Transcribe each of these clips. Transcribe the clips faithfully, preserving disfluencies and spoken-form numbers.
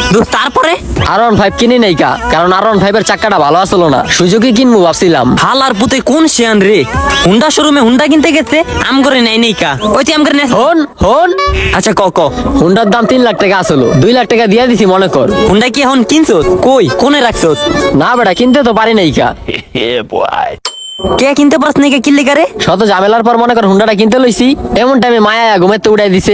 দোস্ত তারপরে আর one five কিনি নাই কা, কারণ আর ওয়ান ফাইভ এর চাকাটা ভালো আসলো না, সুযোগই কিনবো ভাবছিলাম। হালার পুতে কোন শিয়ান রে, হুন্ডা শোরুমে হুন্ডা কিনতে গেছে, আম করে নাই নাই কা, ওই তুই আম করে নেই। হন হন আচ্ছা ক ক হুন্ডার দাম তিন লাখ টাকা আসলো, দুই লাখ টাকা দিয়ে দিছি মনে কর। হুন্ডা কি এখন কিনছো? কই কোনে রাখছো? না বেটা কিনতে তো পারি নাই কা। কে কিনতে পারছ না, কে কিনলে কারে? শত ঝামেলার পর মনে কর হুন্ডাটা কিনতে লইছি, এমন টাইমে মায়া ঘুমের তো উড়াই দিছে।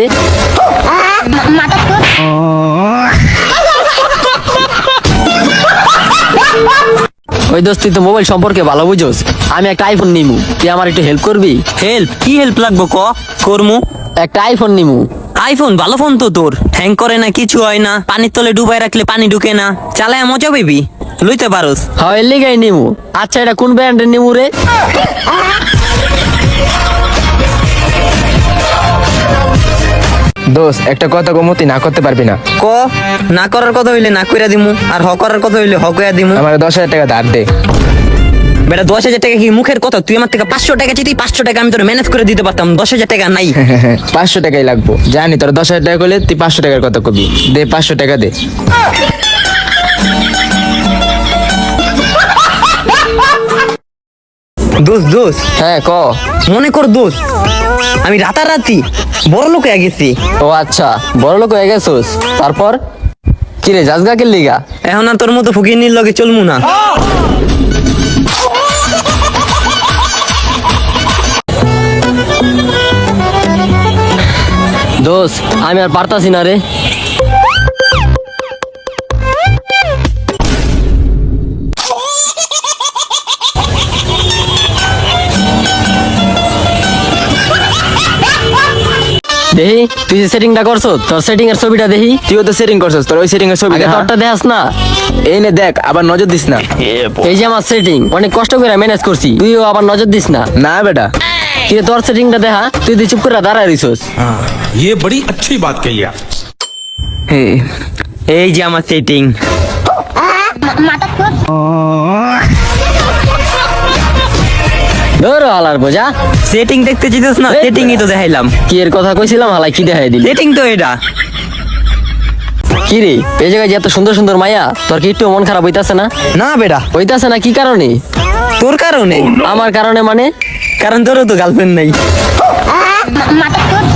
ওই দোস্ত তুই তো মোবাইল সম্পর্কে ভালো বুঝোস, আমি একটা আইফোন নিমু, তুই আমার একটু হেল্প করবি? হেল্প? কি হেল্প লাগবো ক, করমু। একটা আইফোন নিমু। আইফোন ভালো ফোন তো তোর, হ্যাং করে না, কিছু হয় না, পানির তলে ডুবাই রাখলে পানি ঢুকে না, চালায় মজা পেবি, লইতে পারোস। হয় লিগাই নিমু। আচ্ছা এটা কোন ব্র্যান্ডের নিমু রে? দোস্ত একটা কথা কমতি না করতে পারবি না। ক, না করার কথা হইলে না কইরা দিমু, আর হ করার কথা হইলে হ কইরা দিমু। আমার দশ হাজার টাকা ধার দে। বেটা দশ হাজার টাকা কি মুখের কথা? তুই আমার থেকে পাঁচশো টাকা চাইতি, পাঁচশো টাকা আমি তোর ম্যানেজ করে দিতে পারতাম, দশ হাজার টাকা নাই। পাঁচশো টাকাই লাগবো, জানি তোর দশ হাজার টাকা করলে তুই পাঁচশো টাকার কথা কবি। দে পাঁচশো টাকা দে। দোষ দোষ হ্যাঁ ক। মনে কর দোষ, আমি রাতারাতি বড় লোক হয়ে গেছি। ও আচ্ছা বড় লোক হয়ে গেছোস, তারপর কি রে জাজগা কে লিগা? এখন আর তোর মতো ফকির লগে চলমু না। দোষ আমি আর পারতাছি না রে। দেহি তুই যে সেটিংটা করছো, তোর সেটিং এর ছবিটা দেহি। তুইও তো সেটিং করছিস, তোর ওই সেটিং এর ছবি আগে দেখা। তোরটা দেখাস না। এই নে দেখ, আবার নজর দিস না। এই যে আমার সেটিং অনেক কষ্ট করে ম্যানেজ করছি, তুইও আবার নজর দিস না। না বেটা, কি রে, তোর সেটিংটা দেখা, তুই তুই চুপ করে দাঁড়ায় রইছস। हाँ ये बड़ी अच्छी बात कही आप। এই যে আমার সেটিং। ধরো হালার বোঝা। সেটিং দেখতে চাইছিস না? সেটিংই তো দেখাইলাম। কি এর কথা কইছিলাম, হালাই কি দেখাই দিলি? সেটিং তো এটা। কি রে এই জায়গায় যে এত সুন্দর সুন্দর মাইয়া, তোর কি একটু মন খারাপ হইতাছে না? না বেটা, হইতাছে না কি কারণে? তোর কারণে। আমার কারণে মানে? কারণ তোরও তো গার্লফ্রেন্ড নাই।